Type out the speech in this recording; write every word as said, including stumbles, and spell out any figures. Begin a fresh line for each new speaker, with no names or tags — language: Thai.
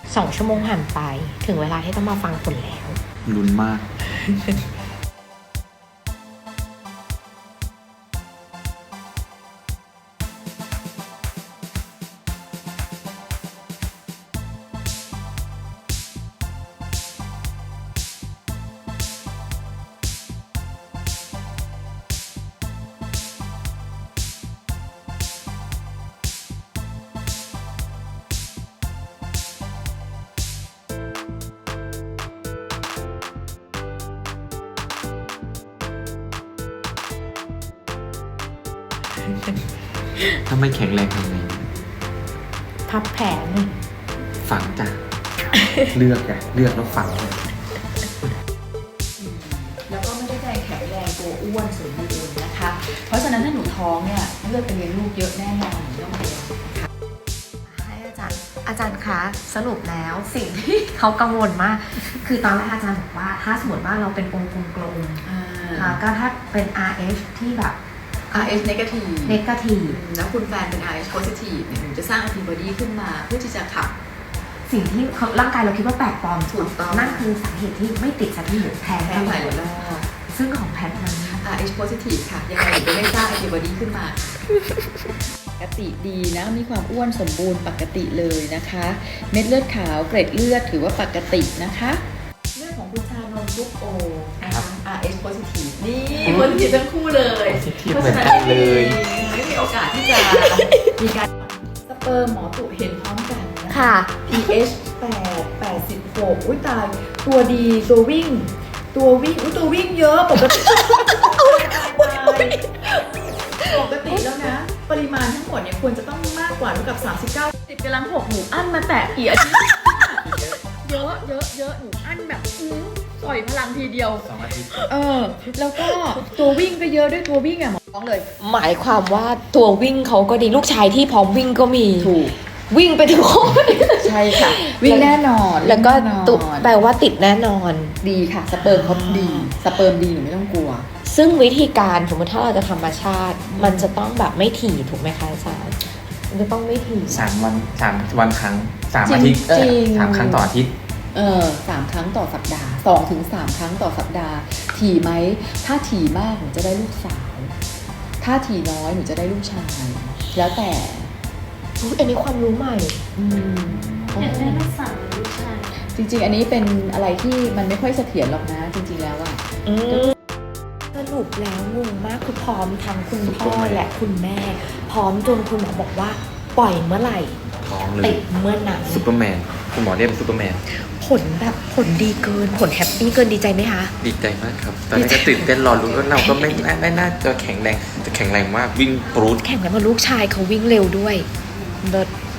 สองชั่วโมงผ่านไปถึงเวลาที่ต้องมาฟังผลแล้ว
ลุ้นมากถ้าไม่แข็งแรงทำไง
พับแผน
ฝังจ้ะ เลือกจ้ะเลือกแล้วฝังเลย
แล้วก็ไม่ได้ใจแข็งแรงตัวอ้วนสมบูรณ์นะคะ เพราะฉะนั้นถ้าหนูท้องเนี่ยเลือดไปเลี้ยงลูกเยอะแน่นอนหนูต้องเลี้ยง
ให้อาจารย์อาจารย์คะสรุปแล้วสิ่งที่เขากังวลมากคือตอนแรกอาจารย์บอกว่าถ้าสมมติว่าเราเป็นองค์กลมๆค่ะก็ถ้าเป็น อาร์ เอช ที่แบบ
อาร์ เอช negative
negative
แล้วคุณแฟนเป็น อาร์ เอช positive เนี่ยหนูจะสร้าง antibody ขึ้นมาเพื่อที่จะขับ
สิ่งที่ร่างกายเราคิดว่าแปลกปลอม
ถูกต้อง
นั่นคือสาเหตุที่ไม่ติดสักทีหรือแพ้
แพ้หลายรอบ
ซึ่งของแพทมัน
อาร์ เอช positive ค่ะยังไงหนูจะไม่สร้าง antibody ขึ้นมาปกติดีนะมีความอ้วนสมบูรณ์ปกติเลยนะคะเม็ดเลือดขาวเกร็ดเลือดถือว่าปกตินะคะเรื่องของคุณชานนท์ลูกโอนะคะ อาร์ เอช positive นี่ positive ทั้งคู่เลย
เพราะฉะนั้นเลย
ไม่มีโอกาสที่จะมีการสเปิร์มหมอตุเห็นพร้อมกันนะคะ พี เอช แปด แปดสิบหกอุ้ยตายตัวดีตัววิ่งตัววิ่งอุ้ยตัววิ่งเยอะปกติปกติแล้วนะปริมาณทั้งหมดเนี่ยควรจะต้องมากกว่าเท่ากับสามสิบเก้าสิบกำลังหกหนูอั้นมาแตะกี่อาทิตย์เยอะเยอะเยอะหนูอั้นแบบอื้อปล่อยพลังทีเดียว
สองอาทิตย์
เออแล้วก็ตัววิ่งก็เยอะด้วยตัววิ่งอ่ะหมอท้องเลย
หมายความว่าตัววิ่งเขาก็ดีลูกชายที่พร้อมวิ่งก็มี
ถูก
วิ่งไปถึงโค้ง
ใช่ค่ะวิ่งแน่นอน
แล้วก็ตุแปลว่าติดแน่นอน
ดีค่ะสเปิร์มเขาดีสเปิร์มดีหนูไม่ต้องกลัว
ซึ่งวิธีการสมมติถ้าเราจะธรรมชาติมันจะต้องแบบไม่ถี่ถูกไหมคะอาจารย์มันจะต้องไม่ถี่
สามวันสามวันครั้งสามอาทิตย์สามครั้งต่ออาทิตย์
เออสามครั้งต่อสัปดาห์สองถึงสามครั้งต่อสัปดาห์ถี่ไหมถ้าถี่มากหนูจะได้ลูกสาวถ้าถี่น้อยหนูจะได้ลูกชายแล้วแต่
อันนี้ความรู้ใหม่
อยากได้ลูกสาวลูกชาย
จริงๆอันนี้เป็นอะไรที่มันไม่ค่อยเสถียรหรอกนะจริงๆแล้วอะ
สรุปแล้วงงมากคือพร้อมทั้งคุณพ่อและคุณแม่พร้อมจนคุณหมอบอกว่าปล่อยเมื่อไหร่ติดเมื่อนั้น
ซูเปอร์แมนคุณหมอเรียกเป็นซูเปอร์แมน
ผลแบบผลดีเกินผลแฮปปี้เกินดีใจไหมคะ
ดีใจมากครับตอนนี้ก็ตื่นเต้นรอลุ้นว่าเราก็ไม่ไม่น่าจะแข็งแรงจะแข็งแรงมากวิ่งปรูด
แข่งกันมาลูกชายเขาวิ่งเร็วด้วยเลิศ